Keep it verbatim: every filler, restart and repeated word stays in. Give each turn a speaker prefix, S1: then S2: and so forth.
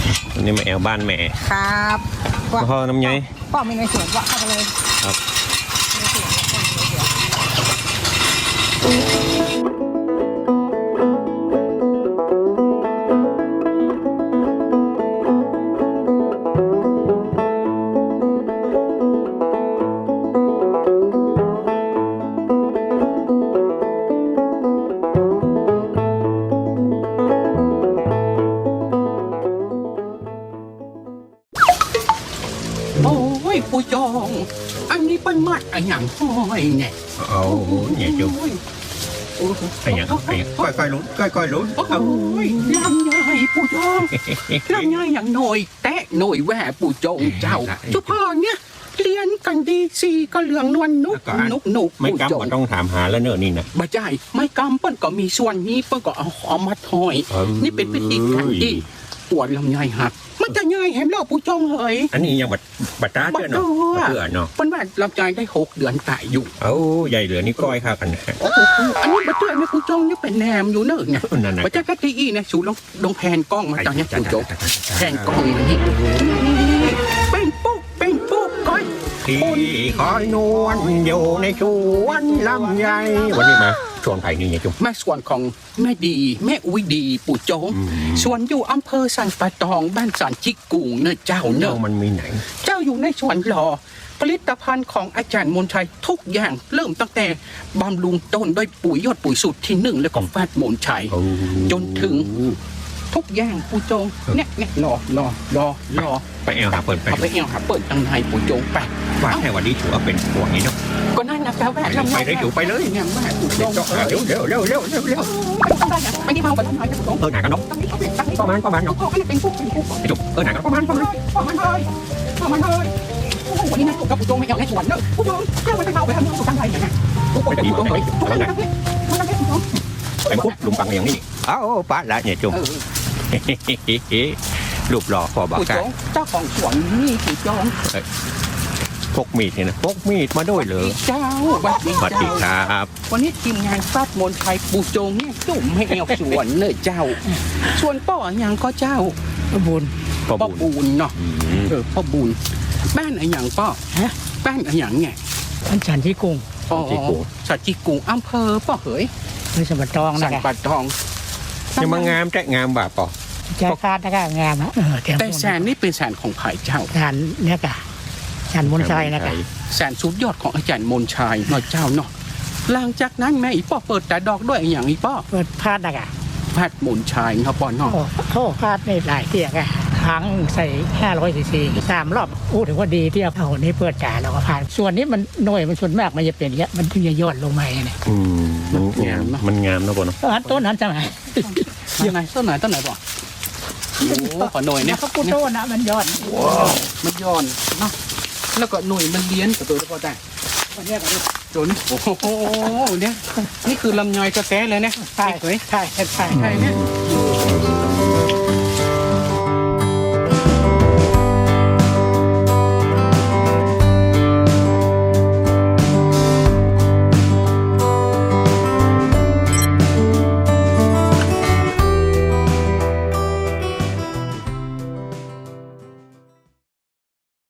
S1: วันนี้มาแอลบ้านแม่
S2: ครับ
S1: พ่อน้ำไง
S2: พ่อมีในสวนว่าเข้าไปเลย
S1: ครับ
S3: ปูจองอันนี้เป็นมัดอะไรอย่างห้อยเนี่ย
S1: เอาเนี่ยจุ๊บไอ้ยังไอ้ก้อยก้อยลุ้นก้อยก้อยลุ้น
S3: โอ้ยลำใหญ่ปูจองลำใหญ่อย่างหน่อยแตะหน่อยแหวปูจองเจ้าจุพ่อเนี่ยเรียนกันดีสีก็เหลืองนวลนุกนุกนุก
S1: ไม่กำก็ต้องถามหาแล้วเนอะนี่นะ
S3: บ่ใช่ไม่กำเปิ้นก็มีส่วนนี้เปิ้นก็เอาหอมมาถอยนี่เป็นวิธีการที่ปวดลำใหญ่หักมันจะง่ายเห็นแล้วปูจองเลย
S1: อันนี้ยังบัดบัดตาเดือนเนาะเดือนเนาะ
S3: เป็นว่าลำใจได้หกเดือนตายอยู่
S1: เอ้าใหญ่เหลือนี่ก้อยค่ะกัน
S3: อันนี้บัดเดือนนี่ปูจองนี่เป็นแหนมอยู่เนอะเนี่ยบัดจะกะทิอีเนี่ยสูลงลงแผ่นกล้องมาจากเนี่ยปูจองแผ่นกล้องมานี่เป็นปุ๊กเป็นปุ๊กก้อย
S1: ที่คอยนวลอยู่ในชวนลำใหญ่วันนี้มาส่วนไผ่นี่ไงจุ๊บ
S3: แม่ส่วนของแม่ดีแม่อุ้ยดีปู่โจงส่วนอยู่อำเภอสันปะตองบ้านสันจิกุงเนื้อเจ้าเนื้อ
S1: มันมีไหน
S3: เจ้าอยู่ในสวนหล่อผลิตภัณฑ์ของอาจารย์มนชัยทุกอย่างเริ่มตั้งแต่บำรุงต้นด้วยปุ๋ยยอดปุ๋ยสูตรที่หนึ่งและของแฟดมนชัยจนถึงทุกอย่างปู่โจงเนี่ยเนี่ยรอรอรอรอ
S1: ไปแอลหาเปิดไป
S3: ไปแอลหาเปิดตั้งในปู่โจงไป
S1: ว่าแค่วันนี้ถือว่าเป็นพวกนี้เนาะ
S3: ก็นั่นนะแปลว่า
S1: ไปเลยอยู่ไปเลย
S3: เนี่ยแม่ปู่โจง
S1: เร็วเร็วเร็วเร็วเร็วเร็ว
S3: ไม่ได้เมาไปทำไมปู่โจง
S1: เออหนักกันเนาะประมาณประมาณเนาะ
S3: เป็นพวกเป็นพวก
S1: จุ๊บเออหนักกันประมาณประมาณ
S3: ประมาณเลยประมาณเลยวันนี้นะกับปู่โจงไม่เอาในสวนเนอะปู่โจงแค่วันไปเมาไปทำเรื่องสุดท้ายอย่างเงี้ยปู่โจงเลย
S1: ไปปุ๊บลุงปังอย่างนี้อ้าวป้าละเนี่ยจุ๊บรูปหล่อพอบากา
S3: เจ้าของสวนนี่ปู่โจง
S1: พกมีดเนี่ยนะพกมีดมาด้วยเหรอ
S3: เจ้าวัดดี
S1: วัดดีครับ
S3: วันนี้ทีมงานฟาดมนไทยปู่โจงเนี่ยจุ่มให้แอวสวนเนอะเจ้าส่วนป้ออย่างก็เจ้า
S2: ป้าบุญ
S3: ป้าบุญเนาะเออป้าบุญบ้านอะไรอย่างป้อฮะบ้านอะไรอย่างไง
S2: บ้านสันจิกุง
S3: อ๋อสันจิกุงอำเภอป้อเหย
S2: ในสันปะตองนะ
S3: สันปะตอง
S1: ยังมางามแจ๊งามบ่าป่อ
S2: แจ๊คาดนะก็งามนะ
S3: แต่แสนนี่เป็นแสนของไผ่เจ้า
S2: แสนเนี่ยกะอาจารย์มนชัยนะครับ
S3: แสนสุดยอดของอาจารย์มนชัยหน่อยเจ้าเนาะหลังจากนั้นแม่อีป้อเปิดแต่ดอกด้วยอย่างอีป้อ
S2: เปิดพาดนะครับ
S3: พาดมนชัยครับป้อเนาะ
S2: โอ้พาดในหลายเที่ยกะทั้งใส่ห้าร้อยซีซีสามรอบอู้ถือว่าดีเที่ยวเอานี้เปิดจ่าแล้วก็พาดส่วนนี้มันหน่วยมันส่วนมากมันจะเป็นเยอะมันถึงจะยอดลงมาเนี่ย
S1: อืมมันงามมันงามนะป้อเนาะ
S2: ต้นนั้นจะไหน
S3: ยังไงต้นไหนต้นไหนป้อโอ้ขอหน่วยเนี่ย
S2: เขาพูดต้นนะมันยอด
S3: มันย้อนเนาะแล้วก็หน่วยมันเลี้ยนกับตัวแล้วก็ได้
S2: เนี่ยกัน
S3: จนโอ้โหเนี่ยนี่คือลำไยกระแตเลยเนี่ย
S2: ใช่ใช่ใช่ใช่
S3: เนี่ย